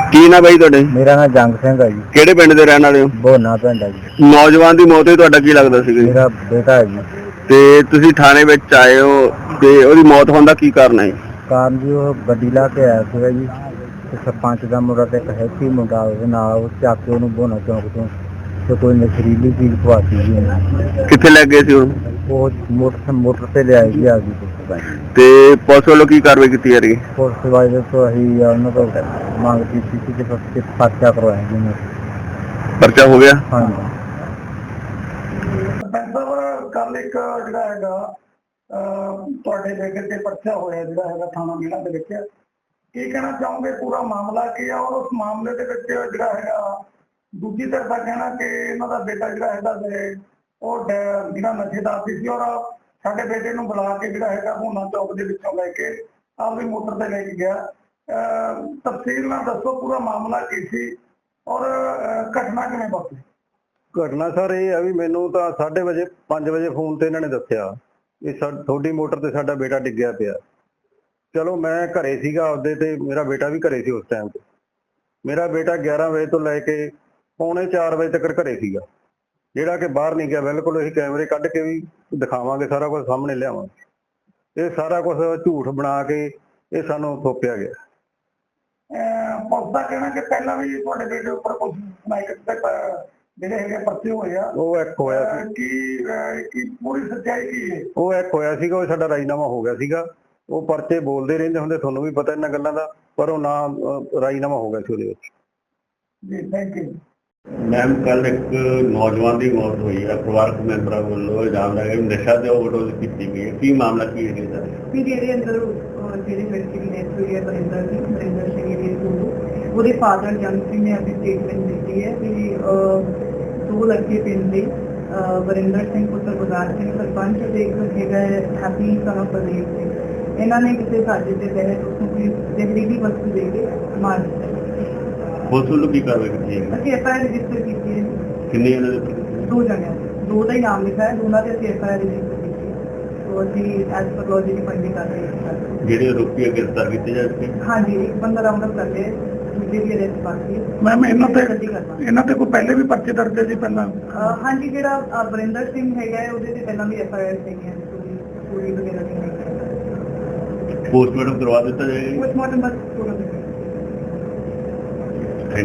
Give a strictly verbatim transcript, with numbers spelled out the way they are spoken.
ਕੀ ਨਾ ਬਾਈ ਤੁਹਾਡੇ? ਮੇਰਾ ਨਾਮ ਜੰਗ ਸਿੰਘ ਹੈ ਜੀ। ਕਿਹੜੇ ਪਿੰਡ ਦੇ ਰਹਿਣ ਵਾਲੇ ਹੋ? ਬੋਨਾ ਪਿੰਡ ਹੈ ਜੀ। ਨੌਜਵਾਨ ਦੀ ਮੌਤ ਹੋਈ, ਤੁਹਾਡਾ ਕੀ ਲੱਗਦਾ ਸੀ? ਮੇਰਾ ਬੇਟਾ ਹੈ ਜੀ। ਤੇ ਤੁਸੀਂ ਥਾਣੇ ਵਿੱਚ ਆਏ ਹੋ ਤੇ ਉਹਦੀ ਮੌਤ ਹੋਣ ਦਾ ਕੀ ਕਾਰਨ ਹੈ? ਕਾਰਨ ਜੀ ਉਹ ਗੱਡੀ ਲਾ ਕੇ ਆਇਆ ਸੀਗਾ ਜੀ ਤੇ ਸਰਪੰਚ ਦਾ ਮੁੰਡਾ ਤੇ ਇੱਕ ਹੈਪੀ ਮੁੰਡਾ ਉਹਦੇ ਨਾਲ ਉਹ ਚੱਕ ਕੇ ਉਹਨੂੰ ਬੋਨਾ ਚੌਂਕ ਤੋਂ ਤੇ ਕੋਈ ਨਸ਼ੀਲੀ ਚੀਜ਼ ਖਵਾਤੀ ਜੀ ਉਹਨੂੰ। ਕਿੱਥੇ ਲੈ ਗਏ ਸੀ ਉਹ? ਉਹ ਮੋਟਰ ਮੋਟਰ ਤੇ ਲਿਆਏ ਜੀ ਆਪਦੀ ਪੁਲਿਸ। ਤੇ ਪੁਲਿਸ ਵੱਲੋਂ ਕੀ ਕਾਰਵਾਈ ਕੀਤੀ ਜਾ ਰਹੀ ਹੈ? ਪੁਲਿਸ ਵਾਲੇ ਤੋਂ ਅਸੀਂ ਉਹਨਾਂ ਤੋਂ ਮੰਗ ਕੀਤੀ ਸੀ ਕਿ ਪਰਚਾ ਕਰਵਾਇਆ ਜੀ ਉਹਨੂੰ। ਪਰਚਾ ਹੋ ਗਿਆ? ਹਾਂਜੀ। ਸਰ ਕੱਲ ਇੱਕ ਜਿਹੜਾ ਹੈਗਾ ਤੁਹਾਡੇ ਬੇਟੇ ਤੇ ਪਰਚਾ ਹੋਇਆ ਜਿਹੜਾ ਹੈਗਾ ਥਾਣਾ ਮੀਣਾ ਦੇ ਵਿੱਚ, ਕੀ ਕਹਿਣਾ ਚਾਹੋਗੇ? ਪੂਰਾ ਮਾਮਲਾ ਕੀ ਆ ਔਰ ਉਸ ਮਾਮਲੇ ਦੇ ਵਿੱਚ ਜਿਹੜਾ ਹੈਗਾ ਦੂਜੀ ਧਿਰ ਦਾ ਕਹਿਣਾ ਕਿ ਇਹਨਾਂ ਦਾ ਬੇਟਾ ਜਿਹੜਾ ਹੈਗਾ ਉਹ ਜਿਹੜਾ ਨਸ਼ੇ ਦਾ ਆਦੀ ਸੀ ਔਰ ਸਾਡੇ ਬੇਟੇ ਨੂੰ ਬੁਲਾ ਕੇ ਜਿਹੜਾ ਹੈਗਾ ਹੋਨਾ ਚੌਕ ਦੇ ਵਿੱਚੋਂ ਲੈ ਕੇ ਆਪਦੀ ਮੋਟਰ ਤੇ ਲੈ ਕੇ ਗਿਆ। ਤਫਸੀਲ ਨਾਲ ਦੱਸੋ ਪੂਰਾ ਮਾਮਲਾ ਕੀ ਸੀ ਔਰ ਘਟਨਾ ਕਿਵੇਂ ਵਾਪਰੀ? ਘਟਨਾ ਸਰ ਇਹ ਆ ਵੀ ਮੈਨੂੰ ਤਾਂ ਸਾਢੇ ਵਜੇ ਪੰਜ ਵਜੇ ਫੋਨ ਤੇ ਇਹਨਾਂ ਨੇ ਦੱਸਿਆ ਵੀ ਤੁਹਾਡੀ ਮੋਟਰ ਤੇ ਸਾਡਾ ਬੇਟਾ ਡਿੱਗਿਆ ਪਿਆ। ਚਲੋ ਮੈਂ ਘਰੇ ਸੀਗਾ ਆਪਦੇ ਤੇ ਮੇਰਾ ਬੇਟਾ ਵੀ ਘਰੇ ਸੀ ਉਸ ਟਾਈਮ ਤੇ। ਮੇਰਾ ਬੇਟਾ ਗਿਆਰਾਂ ਵਜੇ ਤੋਂ ਲੈ ਕੇ ਪੌਣੇ ਚਾਰ ਵਜੇ ਤੱਕ ਘਰੇ ਸੀਗਾ, ਜਿਹੜਾ ਕਿ ਬਾਹਰ ਨਹੀਂ ਗਿਆ ਬਿਲਕੁਲ। ਅਸੀਂ ਕੈਮਰੇ ਕੱਢ ਕੇ ਵੀ ਦਿਖਾਵਾਂਗੇ, ਸਾਰਾ ਕੁਝ ਸਾਹਮਣੇ ਲਿਆਵਾਂਗੇ। ਇਹ ਸਾਰਾ ਕੁਝ ਝੂਠ ਬਣਾ ਕੇ ਇਹ ਸਾਨੂੰ ਥੋਪਿਆ ਗਿਆ। ਪੁਲਿਸ ਦਾ ਕਹਿਣਾ ਕਿ ਪਹਿਲਾਂ ਵੀ ਤੁਹਾਡੇ ਬੇਟੇ ਉੱਪਰ ਕੁਝ ਜਿਹੜੇ ਹੈਗੇ ਪਰਚੇ ਹੋਏ ਆ। ਉਹ ਇੱਕ ਹੋਇਆ ਸੀ ਕੀ ਕੀ ਪੂਰੀ ਸੱਚਾਈ ਕੀ ਹੈ? ਉਹ ਇੱਕ ਹੋਇਆ ਸੀਗਾ, ਉਹ ਸਾਡਾ ਰਾਜੀਨਾਮਾ ਹੋ ਗਿਆ ਸੀਗਾ। ਉਹ ਪਰਚੇ ਬੋਲਦੇ ਰਹਿੰਦੇ ਹੁੰਦੇ, ਤੁਹਾਨੂੰ ਵੀ ਪਤਾ ਇਹਨਾਂ ਗੱਲਾਂ ਦਾ, ਪਰ ਉਹ ਨਾ ਰਾਜੀਨਾਮਾ ਹੋ ਗਿਆ ਸੀ ਉਹਦੇ ਵਿੱਚ। ਜੀ ਥੈਂਕ ਯੂ। ਮੈਮ ਕੱਲ ਇੱਕ ਨੌਜਵਾਨ ਦੀ ਮੌਤ ਹੋਈ ਹੈ, ਪਰਿਵਾਰਕ ਮੈਂਬਰਾਂ ਵੱਲੋਂ ਇਲਜ਼ਾਮ ਲਗਾਇਆ ਕਿ ਨਸ਼ਾ ਤੇ ਓਵਰਡੋਜ਼ ਕੀਤੀ ਗਈ ਹੈ, ਕੀ ਮਾਮਲਾ ਕੀ ਹੈ ਇਹਦਾ? ਵੀ ਜਿਹਦੇ ਅੰਦਰ ਜਿਹੜੇ ਲੜਕੀ ਦੀ ਡੈਥ ਹੋਈ ਹੈ ਬਰਿੰਦਰ ਸਿੰਘ ਬਰਿੰਦਰ ਸਿੰਘ ਏਰੀਏ ਤੋਂ, ਉਹਦੇ ਫਾਦਰ ਜੰਗ ਸਿੰਘ ਨੇ ਆਪਣੀ ਸਟੇਟਮੈਂਟ ਦਿੱਤੀ ਹੈ ਕਿ ਦੋ ਲੜਕੇ ਪਿੰਡ ਦੇ ਬਰਿੰਦਰ ਸਿੰਘ ਪੁੱਤਰ ਗੁਰਦਾਸ ਸਿੰਘ ਸਰਪੰਚ ਤੇ ਇੱਕ ਹੈਗਾ Happy son of Pradeep Singh, ਇਹਨਾਂ ਨੇ ਕਿਸੇ ਸਾਜ਼ਿਸ਼ ਦੇ ਤਹਿਤ ਉਸਨੂੰ ਕੋਈ ਜ਼ਹਿਰੀਲੀ ਵਸਤੂ ਦੇ ਕੇ ਮਾਰ ਦਿੱਤਾ। ਪੁਲਿਸ ਵੱਲੋਂ ਕੀ ਕਾਰਵਾਈ ਕੀਤੀ ਹੈ? ਅਸੀਂ ਐਫ ਆਈ ਆਰ ਰਜਿਸਟਰ ਕੀਤੀ ਹੈ। ਕਿੰਨੇ ਇਹਨਾਂ ਦੇ? ਦੋ ਜਣਿਆਂ, ਦੋ ਦਾ ਹੀ ਨਾਮ ਲਿਖਾ ਹੈ, ਦੋਨਾਂ ਤੇ ਅਸੀਂ ਐਫ ਆਈ ਆਰ ਰਜਿਸਟਰ ਕੀਤੀ ਹੈ। ਸੋ ਅਸੀਂ ਐਸ ਪਰ ਲੌ ਦੀ ਫੰਡਿੰਗ ਕਰ ਰਹੇ ਹਾਂ। ਜਿਹੜੇ ਆਰੋਪੀ ਗ੍ਰਿਫਤਾਰ ਕੀਤੇ ਜਾ ਚੁੱਕੇ? ਹਾਂਜੀ, ਇੱਕ ਬੰਦਾ ਰਾਉਂਡ ਅਪ ਕਰ ਲਿਆ, ਦੂਜੇ ਦੀ ਅਰੈਸਟ ਬਾਕੀ ਹੈ। ਮੈਮ ਇਹਨਾਂ ਤੇ ਇਹਨਾਂ ਤੇ ਕੋਈ ਪਹਿਲੇ ਵੀ ਪਰਚੇ ਦਰਜ ਹੈ ਜੀ ਪਹਿਲਾਂ? ਹਾਂਜੀ, ਜਿਹੜਾ ਬਰਿੰਦਰ ਸਿੰਘ ਹੈਗਾ ਉਹਦੇ ਤੇ ਪਹਿਲਾਂ ਵੀ ਐਫ ਆਈ ਆਰ ਹੈਗੀ ਹੈ, ਚੋਰੀ ਵਗੈਰਾ ਦੀ। ਪੋਸਟਮਾਰਟਮ ਕਰਵਾ ਦਿੱਤਾ ਜਾਏਗਾ? ਪੋਸਟਮਾਰਟਮ ਬਸ ਪੂਰਾ